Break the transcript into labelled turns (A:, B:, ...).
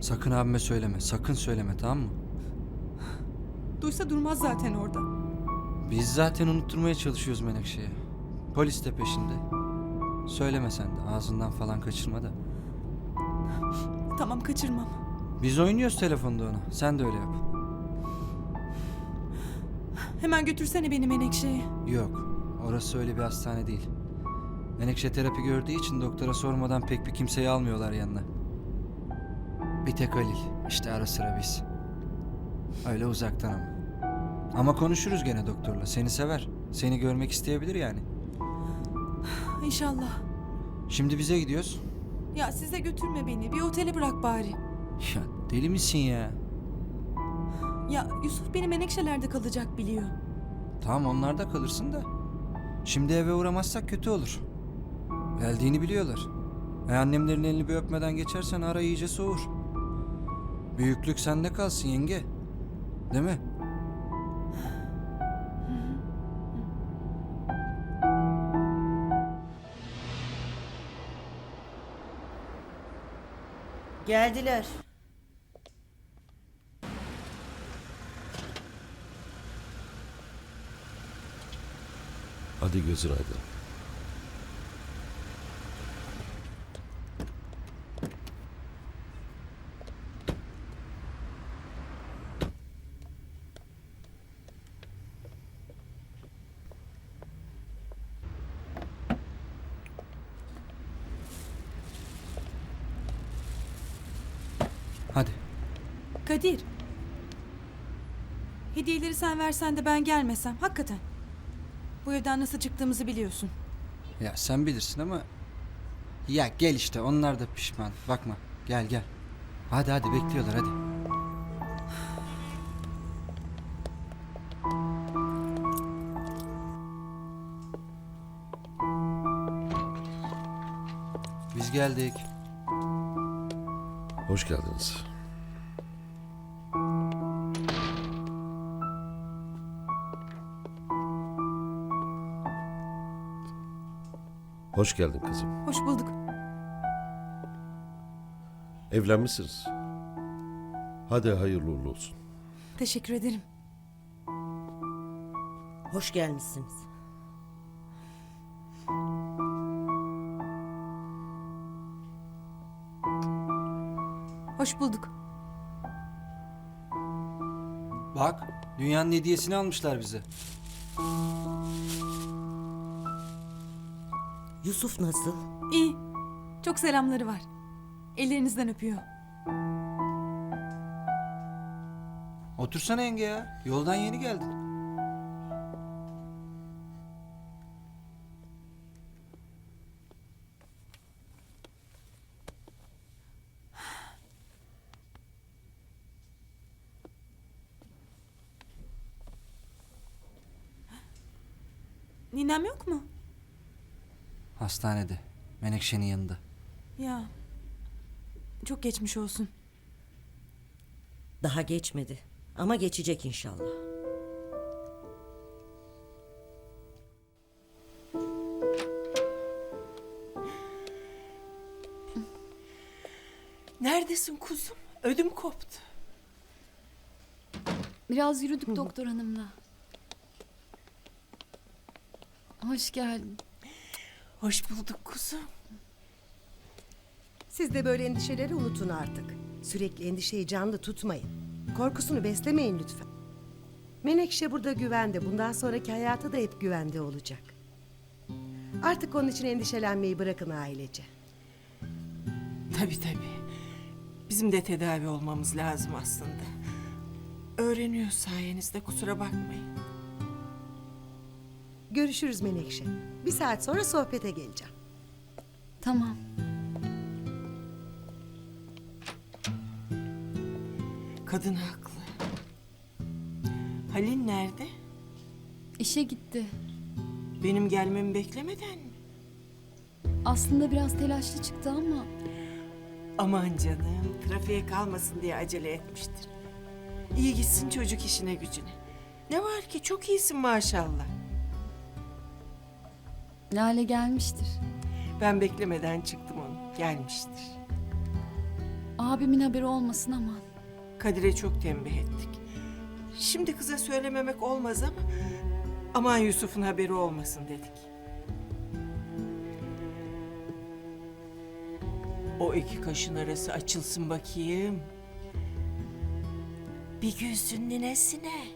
A: Sakın abime söyleme. Sakın söyleme, tamam mı?
B: Duysa durmaz zaten orada.
A: Biz zaten unutturmaya çalışıyoruz Menekşe'ye. Polis de peşinde. Söyleme sen de. Ağzından falan kaçırma da.
B: Tamam, kaçırmam.
A: Biz oynuyoruz telefonda ona. Sen de öyle yap.
B: Hemen götürsene beni Menekşe'ye.
A: Yok. Orası öyle bir hastane değil. Menekşe terapi gördüğü için doktora sormadan pek bir kimseyi almıyorlar yanına. Bir tek Halil. İşte ara sıra biz. Öyle uzaktan ama. Ama konuşuruz gene doktorla. Seni sever. Seni görmek isteyebilir yani.
B: İnşallah.
A: Şimdi bize gidiyoruz.
B: Ya size götürme beni. Bir otele bırak bari.
A: Ya deli misin ya?
B: Ya Yusuf beni Menekşeler'de kalacak biliyor.
A: Tamam, onlarda kalırsın da. Şimdi eve uğramazsak kötü olur. Geldiğini biliyorlar. Annemlerin elini bir öpmeden geçersen ara iyice soğur. Büyüklük sende kalsın yenge. Değil mi?
C: Geldiler.
D: Hadi gözün aydın.
A: Hadi.
B: Kadir. Hediyeleri sen versen de ben gelmesem. Hakikaten. Bu evden nasıl çıktığımızı biliyorsun.
A: Ya sen bilirsin ama... Ya gel işte, onlar da pişman. Bakma, gel gel. Hadi hadi, bekliyorlar hadi. Biz geldik.
D: Hoş geldiniz. Hoş geldin kızım.
B: Hoş bulduk.
D: Evlenmişsiniz. Hadi hayırlı uğurlu olsun.
B: Teşekkür ederim.
C: Hoş gelmişsiniz.
B: Hoş bulduk.
A: Bak, dünyanın hediyesini almışlar bize.
C: Yusuf nasıl?
B: İyi. Çok selamları var. Ellerinizden öpüyor.
A: Otursana yenge ya. Yoldan yeni geldin.
B: Ninem yok mu?
A: Hastanede. Menekşe'nin yanında.
B: Ya. Çok geçmiş olsun.
C: Daha geçmedi. Ama geçecek inşallah.
E: Neredesin kuzum? Ödüm koptu.
F: Biraz yürüdük doktor hanımla. Hoş geldin.
E: Hoş bulduk kuzum.
G: Siz de böyle endişeleri unutun artık. Sürekli endişeyi canlı tutmayın. Korkusunu beslemeyin lütfen. Menekşe burada güvende. Bundan sonraki hayatı da hep güvende olacak. Artık onun için endişelenmeyi bırakın ailece.
E: Tabii tabii. Bizim de tedavi olmamız lazım aslında. Öğreniyor sayenizde, kusura bakmayın.
G: Görüşürüz Menekşe. Bir saat sonra sohbete geleceğim.
F: Tamam.
E: Kadın haklı. Halil nerede?
F: İşe gitti.
E: Benim gelmemi beklemeden mi?
F: Aslında biraz telaşlı çıktı ama
E: Aman canım, trafiğe kalmasın diye acele etmiştir. İyi gitsin çocuk işine gücüne. Ne var ki, çok iyisin maşallah.
F: Lale gelmiştir.
E: Ben beklemeden çıktım onu, gelmiştir.
F: Abimin haberi olmasın aman.
E: Kadir'e çok tembih ettik. Şimdi kıza söylememek olmaz ama aman Yusuf'un haberi olmasın dedik. O iki kaşın arası açılsın bakayım. Bir gülsün ninesine.